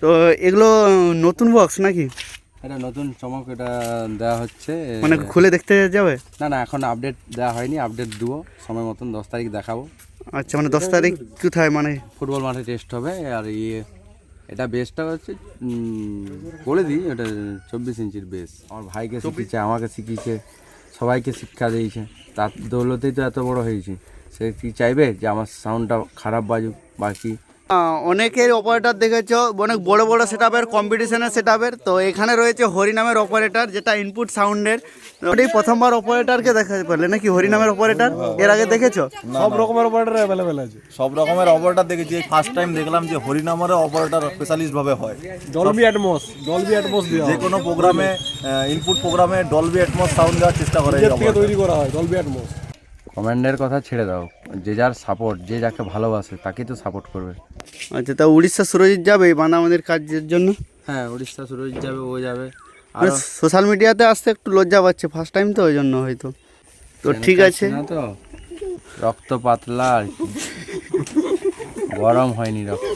তো এগুলো নতুন বক্স নাকি? এটা নতুন চমক, এটা দেওয়া হচ্ছে। মানে খুলে দেখতে যাবে? না না, এখন আপডেট দেওয়া হয়নি, আপডেট দেবো সময় মতন, 10 তারিখ দেখাবো। আচ্ছা, মানে 10 তারিখ কোথায়, মানে ফুটবল মাঠে টেস্ট হবে। আর এটা বেসটা হচ্ছে বলে দিই, এটা 24 ইঞ্চির বেস। আমার ভাইকে শিখিয়েছে, আমাকে শিখিয়েছে, সবাইকে শিক্ষা দিয়েছে, তার দৌলতেই তো এত বড় হয়েছি। সে কি চাইবে যে আমার সাউন্ডটা খারাপ বাজুক বাকি? অনেকের অপারেটর দেখেছো অনেক বড় বড় সেটআপের কম্পিটিশনের সেটআপের, তো এখানে রয়েছে হরি নামের অপারেটর, যেটা ইনপুট সাউন্ডের। ওটাই প্রথমবার অপারেটরকে দেখাতে পারলে নাকি? হরি নামের অপারেটর এর আগে দেখেছো? সব রকমের অপারেটর অ্যাভেলেবেল আছে, সব রকমের অপারেটর দেখেছি। ফার্স্ট টাইম দেখলাম যে হরি নামের অপারেটর স্পেশালিস্ট ভাবে হয়। ডলবি অ্যাটমস দেওয়া যে কোনো প্রোগ্রামে, ইনপুট প্রোগ্রামে ডলবি অ্যাটমস সাউন্ড দেওয়ার চেষ্টা করে, তৈরি করা হয় ডলবি অ্যাটমস। কমান্ডের কথা ছেড়ে দাও, যে যার সাপোর্ট, যে যাকে ভালোবাসে তাকেই তো সাপোর্ট করবে। আচ্ছা, তা উড়িষ্যা সুরজিৎ যাবে এই বাঁধাবাঁধির কাজের জন্য? হ্যাঁ, উড়িষ্যা সুরজিৎ যাবে, ও যাবে। আর সোশ্যাল মিডিয়াতে আসতে একটু লজ্জা পাচ্ছে, ফার্স্ট টাইম তো, ওই জন্য হয়তো। তো ঠিক আছে, না তো রক্ত পাতলা আর কি, গরম হয়নি রক্ত।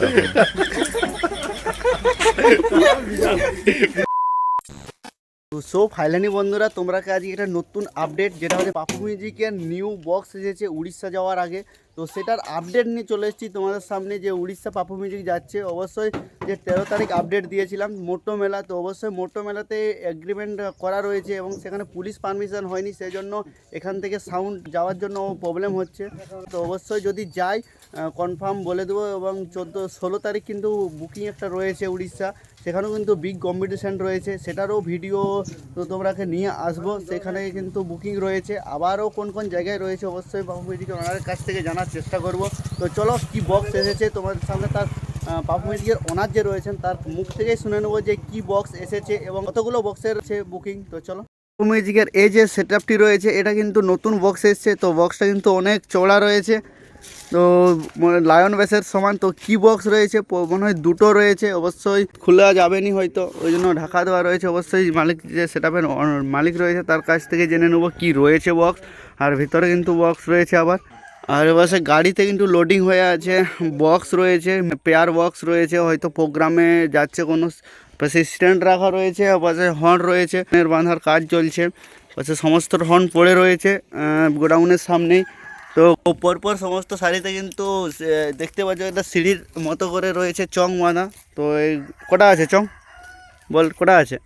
তো সো ফাইনালি বন্ধুরা, তোমরা আজকে একটা নতুন আপডেট, যেটা হচ্ছে পাপু মিউজিকের নিউ বক্স এসেছে উড়িষ্যা যাওয়ার আগে। তো সেটার আপডেট নিয়ে চলে এসেছি তোমাদের সামনে, যে উড়িষ্যা পাপু মিউজিক যাচ্ছে। অবশ্যই যে 13 তারিখ আপডেট দিয়েছিলাম মোটো মেলা, তো অবশ্যই মোটো মেলাতে এগ্রিমেন্ট করা রয়েছে এবং সেখানে পুলিশ পারমিশন হয়নি, সেই জন্য এখান থেকে সাউন্ড যাওয়ার জন্য প্রবলেম হচ্ছে। তো অবশ্যই যদি যাই কনফার্ম বলে দেবো। এবং 16 তারিখ কিন্তু বুকিং একটা রয়েছে উড়িষ্যা, সেখানেও কিন্তু বিগ কম্পিটিশান রয়েছে, সেটারও ভিডিও তো তোমরাকে নিয়ে আসবো। সেখানে কিন্তু বুকিং রয়েছে, আবারও কোন কোন জায়গায় রয়েছে অবশ্যই পাপু মিউজিকের ওনারের কাছ থেকে জানার চেষ্টা করব। তো চলো কি বক্স এসেছে তোমাদের সামনে, তার পাপু মিউজিকের ওনার যে রয়েছেন তার মুখ থেকেই শুনে নেবো যে কি বক্স এসেছে এবং কতগুলো বক্সের আছে বুকিং। তো চলো। পাপু মিউজিকের এই যে সেটআপটি রয়েছে, এটা কিন্তু নতুন বক্স এসেছে। তো বক্সটা কিন্তু অনেক চওড়া রয়েছে, তো লায়ন বেসের সমান। তো কি বক্স রয়েছে, মনে হয় দুটো রয়েছে, অবশ্যই খোলা যাবেনি হয়তো, ওই জন্য ঢাকা দেওয়া রয়েছে। অবশ্যই মালিক, যে সেটআপের মালিক রয়েছে, তার কাছ থেকে জেনে নেবো কি রয়েছে বক্স। আর ভিতরে কিন্তু বক্স রয়েছে আবার। আর এবার গাড়িতে কিন্তু লোডিং হয়ে আছে, বক্স রয়েছে, পেয়ার বক্স রয়েছে, হয়তো প্রোগ্রামে যাচ্ছে কোনো, পাশে স্ট্যান্ড রাখা রয়েছে, পাশে হর্ন রয়েছে, বাঁধার কাজ চলছে, পাশে সমস্ত হর্ন পড়ে রয়েছে গোডাউনের সামনেই। তো পরপর সমস্ত শাড়িতে কিন্তু দেখতে পাচ্ছ একটা সিঁড়ির মতো করে রয়েছে চং বাঁধা। তো এই কটা আছে চং, বল কটা আছে?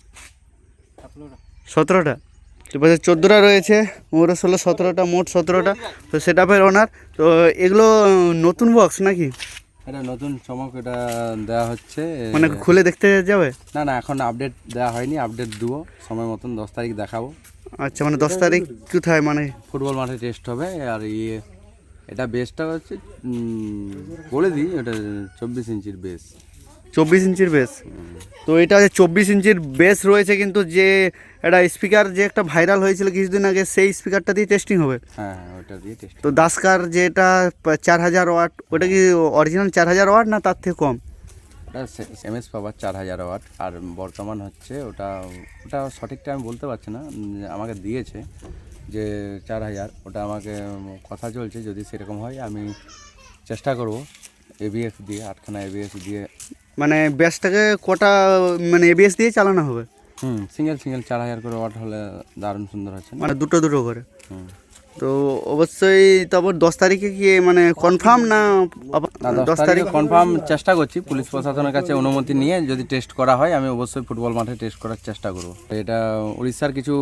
17টা। এবার 14টা রয়েছে, ওরা 16, 17টা, মোট 17টা। তো সেটআপের ওনার। তো এগুলো নতুন বক্স নাকি? এটা নতুন চমক, এটা দেওয়া হচ্ছে। মানে খুলে দেখতে যাবে? না না, এখন আপডেট দেওয়া হয়নি, আপডেট দেবো সময় মতন, 10 তারিখ দেখাবো। আচ্ছা, মানে 10 তারিখ কোথায়, মানে ফুটবল মাঠে টেস্ট হবে। আর এটা বেসটা হচ্ছে বলে দিই, এটা 24 ইঞ্চির বেস। 24 ইঞ্চির বেস। তো এটা 24 ইঞ্চির বেস রয়েছে, কিন্তু যে একটা স্পিকার যে একটা ভাইরাল হয়েছিল কিছুদিন আগে, সেই স্পিকারটা দিয়ে টেস্টিং হবে। হ্যাঁ হ্যাঁ, ওটা দিয়ে টেস্ট। তো দাসকার যেটা 4000 ওয়াট, ওটা কি অরিজিনাল 4000 ওয়াট না তার থেকে কম? ওটা এমএস পাওয়ার 4000 ওয়াট। আর বর্তমান হচ্ছে ওটা সঠিকটা আমি বলতে পারছি না, আমাকে দিয়েছে যে 4000। ওটা আমাকে কথা চলছে, যদি সেরকম হয় আমি চেষ্টা করব এবিএস দিয়ে, 8খানা এবিএস দিয়ে। মানে বেসটাকে কটা, মানে এবিএস দিয়ে চালানো হবে? সিঙ্গেল 4000 করে ওয়াট হলে দারুণ সুন্দর হচ্ছে, মানে দুটো করে। তো অবশ্যই তারপর 10 তারিখে কি মানে কনফার্ম না? 10 তারিখে কনফার্ম চেষ্টা করছি, পুলিশ প্রশাসনের কাছে অনুমতি নিয়ে যদি টেস্ট করা হয় আমি অবশ্যই ফুটবল মাঠে টেস্ট করার চেষ্টা করব। এটা উড়িষ্যার কিছু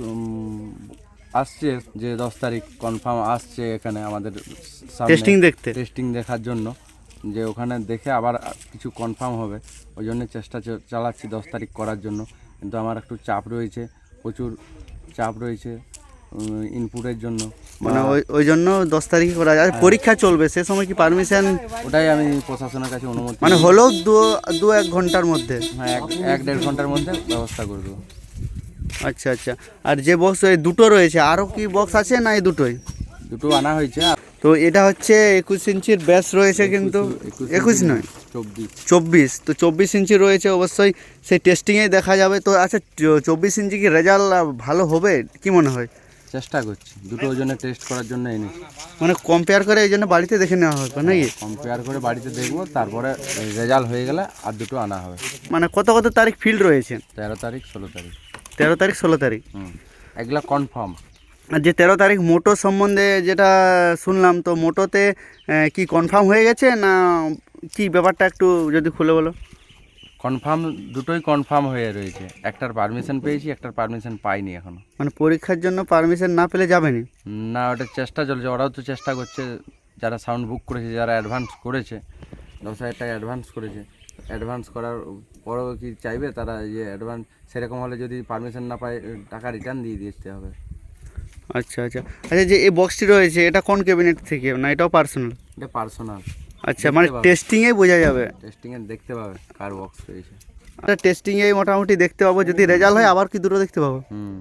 আসছে, যে 10 তারিখ কনফার্ম আসছে এখানে আমাদের টেস্টিং দেখার জন্য, যে ওখানে দেখে আবার কিছু কনফার্ম হবে। ওই জন্য চেষ্টা চালাচ্ছি 10 তারিখ করার জন্য। কিন্তু আমার একটু চাপ রয়েছে, প্রচুর চাপ রয়েছে ইনপুটের জন্য, মানে ওই জন্য 10 তারিখে করা যায়। পরীক্ষা চলবে, সে সময় কি পারমিশন? ওটাই আমি প্রশাসনের কাছে অনুমতি, মানে হলেও 2-1 ঘন্টার মধ্যে, হ্যাঁ 1-1.5 ঘন্টার মধ্যে ব্যবস্থা করে দেবো। আচ্ছা আচ্ছা। আর যে বক্স এই দুটো রয়েছে, আরও কি বক্স আছে না এই দুটোই? দুটো আনা হয়েছে। তো এটা হচ্ছে 21 ইঞ্চির ব্যাস রয়েছে, কিন্তু 21 নয় 24। তো 24 ইঞ্চি রয়েছে, অবশ্যই সেই টেস্টিংয়েই দেখা যাবে। তো আচ্ছা, 24 ইঞ্চি কি রেজাল্ট ভালো হবে কি মনে হয়? চেষ্টা করছি, দুটো ওজনে টেস্ট করার জন্য এনেছি। মানে কম্পেয়ার করে এই জন্য বাড়িতে দেখে নেওয়া হবে নাকি? কম্পেয়ার করে বাড়িতে দেখবো, তারপরে রেজাল্ট হয়ে গেলে আর দুটো আনা হবে। মানে কত কত তারিখ ফিল্ড রয়েছে? 13 তারিখ 16 তারিখ। 13 তারিখ 16 তারিখ। এগুলা কনফার্ম। আর যে 13 তারিখ মোটো সম্বন্ধে যেটা শুনলাম, তো মোটোতে কি কনফার্ম হয়ে গেছে না কি ব্যাপারটা একটু যদি খুলে বলো। কনফার্ম, দুটোই কনফার্ম হয়ে রয়েছে। একটার পারমিশন পেয়েছি, একটার পারমিশন পাইনি এখনো। মানে পরীক্ষার জন্য পারমিশন না পেলে যাবেনি? না, ওটা চেষ্টা চলছে, ওরাও তো চেষ্টা করছে। যারা সাউন্ড বুক করেছে, যারা অ্যাডভান্স করেছে, 10,000 টাকা অ্যাডভান্স করেছে, অ্যাডভান্স করার পরেও কি চাইবে তারা যে অ্যাডভান্স, সেরকম হলে যদি পারমিশন না পায় টাকা রিটার্ন দিয়ে দিতে হবে। আচ্ছা আচ্ছা আচ্ছা, যে এই বক্সটি রয়েছে এটা কোন ক্যাবিনেট থেকে, না এটাও পার্সোনাল? এটা পার্সোনাল। আচ্ছা, মানে টেস্টিংয়েই বোঝা যাবে? টেস্টিংয়ে দেখতে পাবে কার বক্স রয়েছে। আচ্ছা, টেস্টিংয়েই মোটামুটি দেখতে পাবো, যদি রেজাল্ট হয় আবার কি দুটো দেখতে পাবো?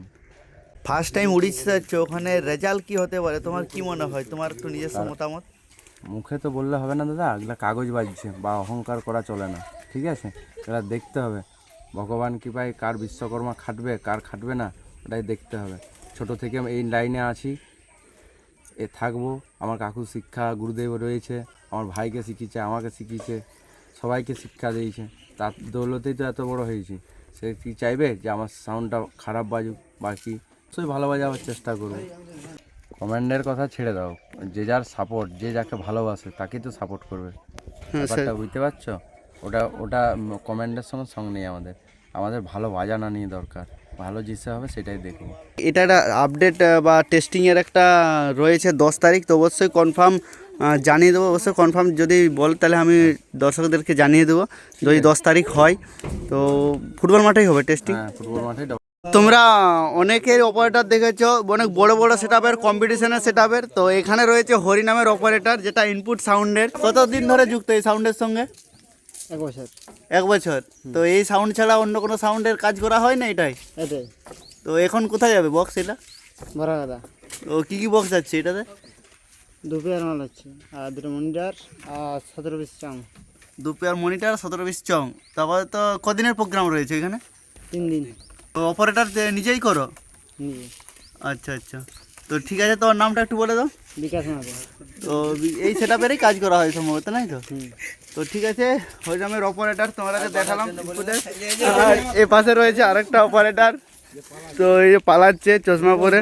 ফার্স্ট টাইম উড়িষ্যা যাচ্ছ, ওখানে রেজাল্ট কি হতে পারে তোমার কি মনে হয়, তোমার একটু নিজস্ব মতামত? মুখে তো বললে হবে না দাদা, এগুলো কাগজ বাজছে বা অহংকার করা চলে না, ঠিক আছে? এগুলো দেখতে হবে ভগবান কৃপায় কার বিশ্বকর্মা খাটবে, কার খাটবে না, ওটাই দেখতে হবে। ছোট থেকে এই লাইনে আছি, থাকবো। আমার কাকু শিক্ষা গুরুদেব রয়েছে, আমার ভাইকে শিখিয়েছে, আমাকে শিখিয়েছে, সবাইকে শিক্ষা দিয়েছে, তার দৌলতেই তো এত বড় হয়েছি। সে কি চাইবে যে আমার সাউন্ডটা খারাপ বাজুক বা কি? সবই ভালো বাজাবার চেষ্টা করবো। কমান্ডের কথা ছেড়ে দাও, যে যার সাপোর্ট, যে যাকে ভালোবাসে তাকেই তো সাপোর্ট করবে। ব্যাপারটা বুঝতে পারছো? ওটা ওটা কমান্ডের সঙ্গে সঙ্গ নেই আমাদের। আমাদের ভালো বাজানা নিয়ে দরকার, ভালো জিনিস হবে সেটাই দেখবো। এটা একটা আপডেট বা টেস্টিংয়ের একটা রয়েছে 10 তারিখ, তো অবশ্যই কনফার্ম জানিয়ে দেবো। অবশ্যই কনফার্ম যদি বল তাহলে আমি দর্শকদেরকে জানিয়ে দেবো যদি 10 তারিখ হয়। তো ফুটবল মাঠেই হবে টেস্টিং? হ্যাঁ, ফুটবল মাঠেই। তোমরা অনেকের অপারেটর দেখেছো, অনেক বড় বড় সেটআপের, কম্পিটিশনের সেটআপের। তো এখানে রয়েছে হরি নামের অপারেটর, যেটা ইনপুট সাউন্ডের। কতদিন ধরে যুক্ত এই সাউন্ডের সঙ্গে? 1 বছর। 1 বছর। তো এই সাউন্ড ছাড়া অন্য কোনো সাউন্ডের কাজ করা হয় না এটাই? এটাই তো এখন কোথায় যাবে বক্স এটা? বড় কথা। তো কী কী বক্স যাচ্ছে এটাতে? 2 পেয়ার মাল হচ্ছে, আর 2 মনিটর আর 17 পিস চাং। 2 পেয়ার মনিটর, 17 পিস চং। তারপরে তো কদিনের প্রোগ্রাম রয়েছে এখানে? 3 দিন। তো অপারেটর নিজেই করো? নিজে। আচ্ছা আচ্ছা, তো ঠিক আছে, তোমার নামটা একটু বলে দাও। বিকাশ মাঝে। তো এই সেটআপেরই কাজ করা হয় সম্ভবত, নাই তো? তো ঠিক আছে, হরিনামের অপারেটর তোমাদেরকে দেখালাম। আর এ পাশে রয়েছে আরেকটা অপারেটর, তো এই যে পালাচ্ছে চশমা পরে।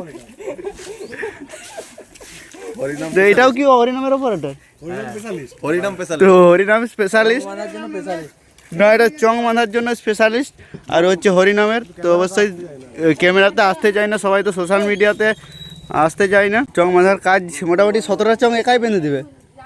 তো এটাও কি হরিনামের অপারেটর? হরিনাম তো হরিনাম স্পেশালিস্ট না, এটা চং বাঁধার জন্য স্পেশালিস্ট। আর হচ্ছে হরিনামের, তো অবশ্যই ক্যামেরাতে আসতে চায় না সবাই, তো সোশ্যাল মিডিয়াতে আসতে চায় না। চং বাঁধার কাজ মোটামুটি 17টা চং একাই বেঁধে দেবে?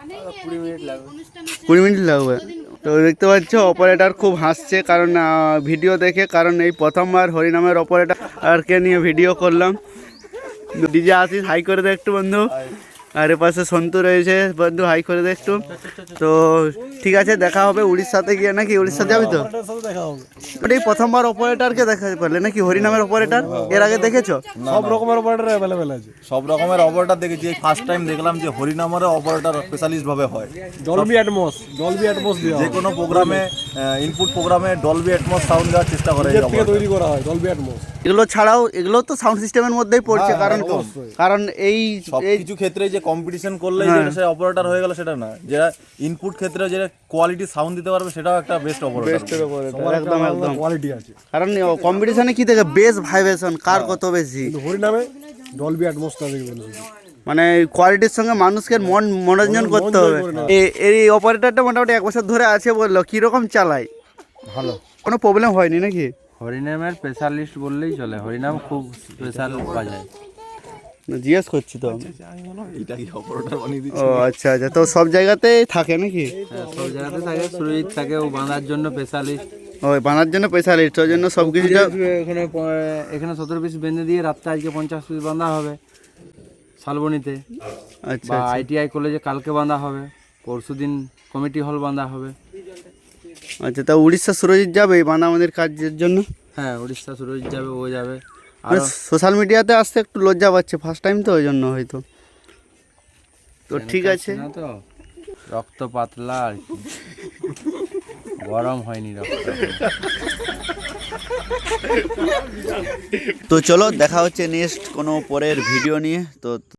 20 মিনিট লাগবে। তো দেখতে পাচ্ছ অপারেটর খুব হাসছে, কারণ ভিডিও দেখে, কারণ এই প্রথমবার হরিনামের অপারেটরকে নিয়ে ভিডিও করলাম। ডিজে আসিস, হাই করে দে একটু বন্ধু। আর এ পাশে সন্তু রয়েছে, বন্ধু হাই করে দে একটু। তো ঠিক আছে, দেখা হবে উড়িষ্যাতে গিয়ে, নাকি উড়িষ্যা যাবি তো? ওটাই প্রথমবার অপারেটরকে দেখা পারলে নাকি, হরিনামের অপারেটর? এর আগে দেখেছো? সব রকমের অপারেটর অ্যাভেলেবেল আছে, সব রকমের অপারেটর দেখেছি। ফার্স্ট টাইম দেখলাম যে হরিনামের অপারেটর স্পেশালিস্ট ভাবে হয়। ডলবি অ্যাটমস দেওয়া যে কোনো প্রোগ্রামে, ইনপুট প্রোগ্রামে ডলবি অ্যাটমস সাউন্ড দেওয়ার চেষ্টা করে। নিজের থেকে তৈরি করা হয় ডলবি অ্যাটমস। এগুলো ছাড়াও এগুলো তো সাউন্ড সিস্টেমের মধ্যেই পড়ছে, কারণ এই সব কিছু ক্ষেত্রে যে কম্পিটিশন করলে যে সে অপারেটর হয়ে গেল সেটা না, যারা ইনপুট ক্ষেত্রে যে কোয়ালিটি সাউন্ড দিতে পারবে সেটাও একটা বেস্ট অপারেটর। একদম একদম, কোয়ালিটি আছে। কারণ কম্পিটিশনে কি থেকে বেস ভাইব্রেশন কার কত বেশি, কিন্তু হরিনামে ডলবি অ্যাটমসটা দেখে বলেছি, মানে কোয়ালিটির সঙ্গে মানুষকে মনোরঞ্জন করতে হবে। এই অপারেটরটা মোটামুটি 1 বছর ধরে আছে বললো, কীরকম চালায়? ভালো, কোনো প্রবলেম হয়নি নাকি? হরিনামের স্পেশালিস্ট বললেই চলে, হরিনাম খুব স্পেশাল বাজায়। জিজ্ঞেস করছি তো। এটা কি অপারেটর বানিয়ে দিচ্ছে? ও আচ্ছা আচ্ছা, তো সব জায়গাতেই থাকে নাকি? হ্যাঁ, সব জায়গাতে থাকে। সুরজিৎ থাকে, ও বাঁধার জন্য স্পেশালিস্ট। ওই বানার জন্য স্পেশালিস্ট, ওই জন্য সব কিছুটা এখানে 17 পিস বেঁধে দিয়ে রাত্রে আজকে 50 পিস বাঁধা হবে শালবনীতে। আচ্ছা বা আচ্ছা ITI কলেজে কালকে বাঁধা হবে, পরশুদিন কমিটি হল বাঁধা হবে। আচ্ছা, তা উড়িষ্যা সুরজিৎ যাবে এই বানা আমাদের কাজের জন্য? হ্যাঁ, উড়িষ্যা সুরজিৎ যাবে, ও যাবে। আর সোশ্যাল মিডিয়াতে আসতে একটু লজ্জা পাচ্ছে ফার্স্ট টাইম, তো ওই জন্য হয়তো। তো ঠিক আছে, না তো রক্ত পাতলা আর কি, গরম হয়নি রক্ত। তো চলো দেখা হচ্ছে নেক্সট কোনো পরের ভিডিও নিয়ে। তো